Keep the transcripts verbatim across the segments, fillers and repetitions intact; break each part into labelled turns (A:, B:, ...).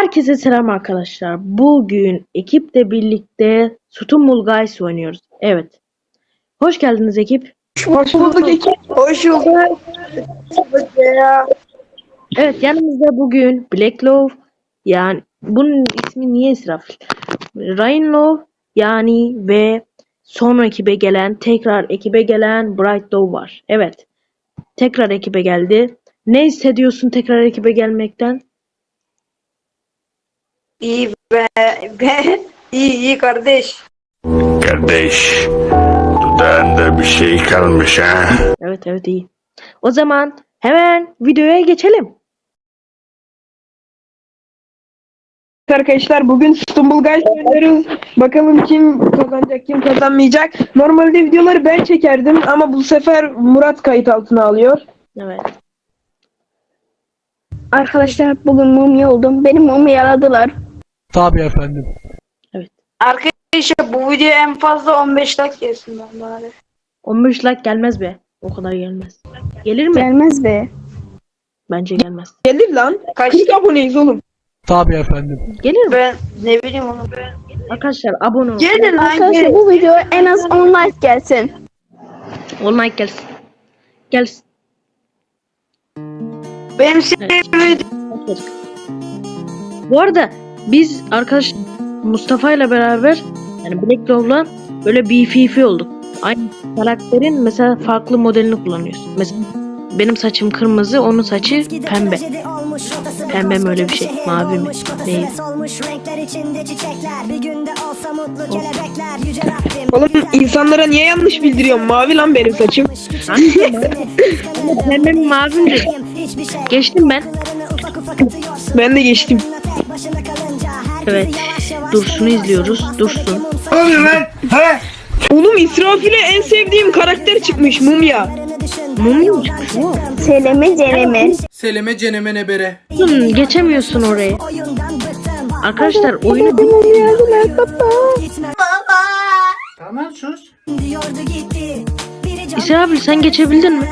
A: Herkese selam arkadaşlar. Bugün ekiple birlikte Stumble Guys oynuyoruz. Evet. Hoş geldiniz ekip.
B: Hoş bulduk ekip. Hoş bulduk.
A: Evet, yanımızda bugün Black Love, yani bunun ismi niye israf? Ryan Love yani ve son ekibe gelen, tekrar ekibe gelen Bright Love var. Evet. Tekrar ekibe geldi. Ne hissediyorsun tekrar ekibe gelmekten?
B: İyi be, be. İyi iyi kardeş.
C: Kardeş, dudağında bir şey kalmış ha?
A: Evet evet iyi. O zaman hemen videoya geçelim.
B: Arkadaşlar bugün Stumble Guys oynuyoruz. Bakalım kim kazanacak, kim kazanmayacak. Normalde videoları ben çekerdim ama bu sefer Murat kayıt altına alıyor.
A: Evet.
D: Arkadaşlar bugün mumya oldum. Beni mumyaladılar.
E: Tabii efendim.
B: Arkadaşlar bu video en fazla on beş like gelsin ben bari.
A: on beş like gelmez be. O kadar gelmez. Gelir mi?
D: Gelmez be.
A: Bence gelmez.
B: Gelir lan. Kaç aboneyiz oğlum?
E: Tabii efendim.
A: Gelir mi?
B: Ben ne bileyim onu.
A: Arkadaşlar abone olun.
B: Gelir lan
D: Arkadaşlar
B: gelir.
D: bu video en az on like gelsin.
A: on like gelsin. Gelsin.
B: Benim sevdiğim
A: Bu arada biz arkadaş Mustafa ile beraber, yani Black Love'la böyle B F F olduk. Aynı karakterin mesela farklı modelini kullanıyorsun. Mesela benim saçım kırmızı, onun saçı pembe. Pembe mi öyle bir şey? Mavi mi? Değil.
B: Oğlum insanlara niye yanlış bildiriyorsun? Mavi lan benim saçım.
A: Pembe mi mavi mi dedi. Geçtim ben.
B: Ben de geçtim.
A: Evet. Dursun'u izliyoruz. Dursun.
C: Ne oluyor lan? Ha?
B: Oğlum İsrafil'e en sevdiğim karakter çıkmış Mumya.
A: Mumya mı çıkmış?
D: Seleme ceneme.
E: Seleme ceneme nebere.
A: Hmm, geçemiyorsun orayı. Arkadaşlar oyunu
E: Tamam sus.
A: İsra abi sen geçebildin mi?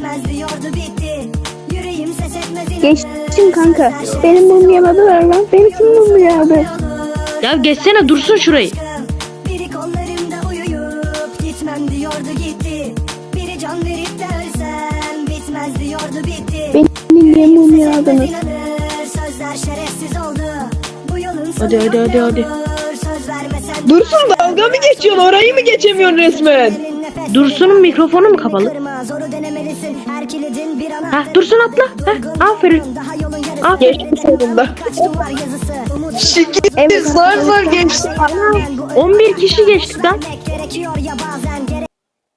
D: Geçtim kanka. Benim mumyaladılar lan. Beni kim mumyaladı?
A: Ya geçsene, Dursun şurayı.
F: Biri kollarımda uyuyup gitmem diyordu gitti. Biri can verip de ölsem bitmez diyordu bitti.
D: Beni niye mumyaladınız?
F: Sözler şerefsiz oldu. Bu yolun sonu
A: Hadi hadi hadi hadi.
F: söz vermesen.
B: Dursun dalga mı geçiyorsun? Orayı mı geçemiyorsun resmen?
A: Dursun'un mikrofonu mu kapalı?
F: Zoru denemelisin. Her kilidin bir ana.
A: Hah, Dursun atla. Hah, aferin.
F: Daha yolun yarısı.
A: Aferin.
B: Geçmiş sonunda.
F: Kaç duvar yazısı. Umut
B: Şikayet zar zar geçti.
A: on bir kişi geçtik lan.
F: gerekiyor ya bazen gerek.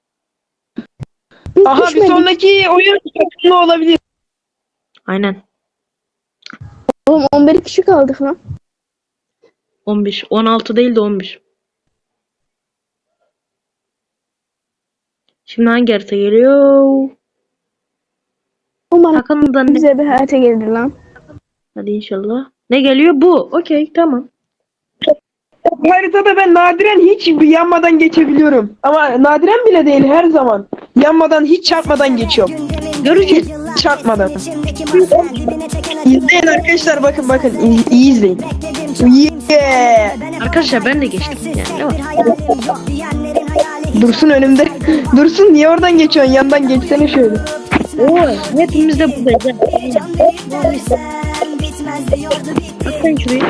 D: Biz
B: Aha bir
D: düşmedik.
B: sonraki oyun takımlı olabilir.
A: Aynen.
D: Oğlum on bir kişi kaldık lan.
A: on beş. on altı değil de on bir. Şimdi hangi harita geliyor?
D: Umarım
A: Hakan'dan ne?
D: bize bir harita gelir lan.
A: Hadi inşallah. Ne geliyor? Bu. Okey, tamam.
B: Bu haritada ben nadiren hiç yanmadan geçebiliyorum. Ama nadiren bile değil her zaman. Yanmadan hiç çarpmadan geçiyorum.
A: Göreceğiz.
B: Çarpmadan. İzleyin arkadaşlar, bakın bakın iyi, iyi izleyin. Yeah.
A: Arkadaşlar ben de geçtim. Yani ne var?
B: Dursun önümde. Dursun niye oradan geçiyorsun? Yandan geçsene şöyle.
A: Oo, hepimiz de buradayız. Bak sen şurayı.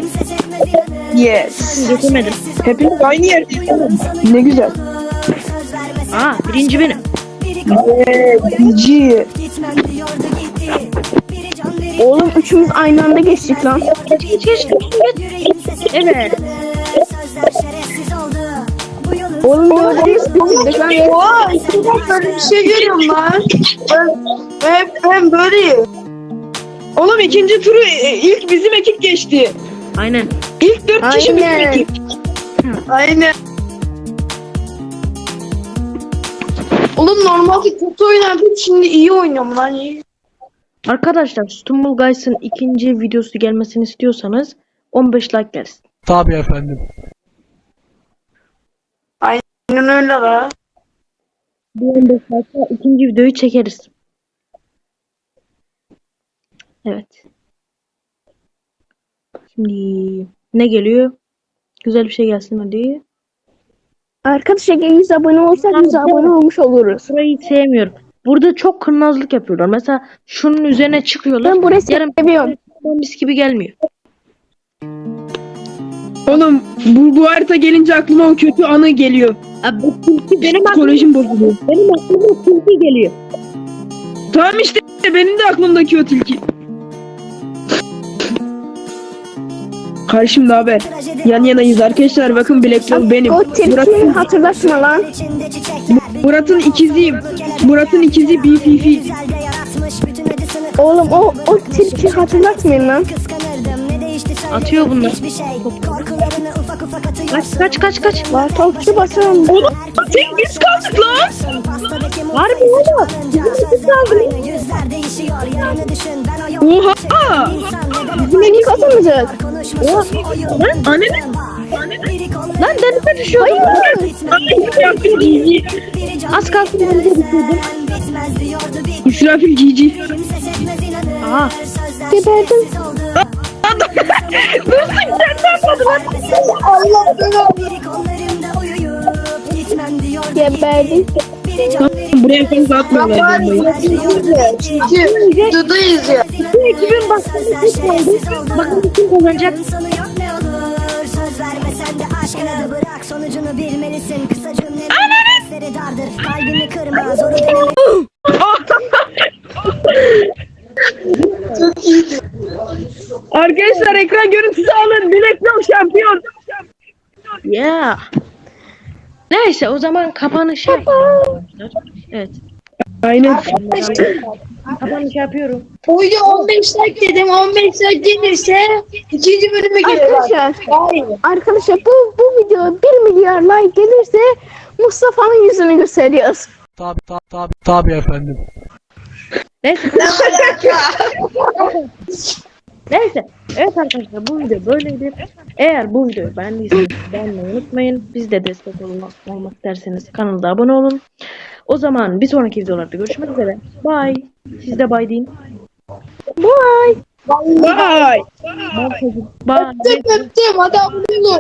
B: Yes.
A: Geçemedim.
B: Hepimiz aynı yerdeyiz. Ne güzel.
A: Aa, birinci benim.
B: Yeah. Cici.
D: Oğlum üçümüz aynı anda geçtik lan.
A: Geç geç geç. Evet.
D: Oğlum dördümüz bitirdik lan.
B: Oha, böyle bir şey görüyorum lan. Ben, ben böyleyim. Oğlum ikinci turu e, ilk bizim ekip geçti.
A: Aynen.
B: İlk dört kişi bizim
D: Aynen.
B: ekip. Aynen. Oğlum normalde kötü oynardım, şimdi iyi oynuyorum lan, iyi.
A: Arkadaşlar Stumble Guys'ın ikinci videosu gelmesini istiyorsanız on beş like gelsin.
E: Tabii efendim.
B: Aynen öyle la.
A: Bir on beş like'la ikinci videoyu çekeriz. Evet. Şimdi ne geliyor? Güzel bir şey gelsin hadi.
D: Arkadaşlar yüz abone olsak yüz abone olmuş oluruz.
A: Burayı sevmiyorum. Burada çok kurnazlık yapıyorlar. Mesela şunun üzerine çıkıyorlar.
D: Ben burayı
A: Yarım
D: seviyorum.
A: mis gibi gelmiyor.
B: Oğlum bu, bu harita gelince aklıma o kötü anı geliyor.
A: Abi bu tilki benim aklıma,
B: Psikolojim bozuluyor.
A: benim aklıma tilki geliyor.
B: Tamam işte benim de aklımdaki o tilki. Karşımda haber. Yan yanayız arkadaşlar. Bakın Black Love benim.
D: O tilkini hatırlatma lan.
F: İçinde çiçekler.
B: Murat'ın ikiziyim. Murat'ın ikizi B F F.
F: Güzel de yaratmış bütün acısını.
D: Oğlum o o tilki hatırlatmayın lan.
F: Kıskanırdım, ne değişti söyle.
A: Atıyor bunlar.
F: Hiçbir şey. Korkularını ufak ufak atıyorsun.
A: Kaç kaç kaç kaç.
D: Var topçu basalım.
B: Oğlum tek biz kaldık lan.
A: Harbi oğlum.
F: Biz kaldık. Yüzler değişiyor. Yarını düşün. Ben o yol.
B: Oha.
D: Bizim ilk atamayacak.
F: Konuşmasız bu oyun.
B: Anne.
A: Lan denize düşüyordum. Az kalsın denize düşüyordum.
F: Bitmez diyordu bitti.
B: İsrafil Cici.
F: Kimse sevmez inanır.
D: Aha.
F: Sözler
D: Geberdim.
F: şerefsiz oldu. Biri kollarımda uyuyup gitmem diyordu
D: Geberdim.
F: Biri can verip
B: Buraya fazla atmıyorlar bombayı.
D: Dudu izliyor.
A: Bu ekibin başkanı hiç oldu. Bakın kim kazanacak.
F: sonu yok ne olur. Söz vermesen de aşkına da bırak. Sonucunu bilmelisin. Kısa cümleler sesleri dardır. Kalbini kırma. Zoru denemek.
B: Arkadaşlar ekran görüntüsü alın. Black Love şampiyon.
A: Yeah. Neyse o zaman kapanış yapalım. Evet.
B: Aynen.
A: Kapanış yapıyorum.
G: Bu video on beş like dedim. on beş like gelirse ikinci bölüme gelir.
D: Arkadaşlar,
G: Hayır.
D: arkadaşlar bu bu video bir milyar like gelirse Mustafa'nın yüzünü gösteriyoruz.
E: Tabi tabi tabi tabi efendim.
A: Neyse. Neyse. Evet arkadaşlar bu video böyleydi. Eğer bu videoyu beğendiyseniz beğenmeyi unutmayın. Biz de destek olmak, olmak isterseniz kanalda abone olun. O zaman bir sonraki videolarda görüşmek üzere. Bye. Siz de bye deyin.
D: Bye.
B: Bye.
A: Bye. Bye.
G: Öptüm öptüm. Hadi abone olun.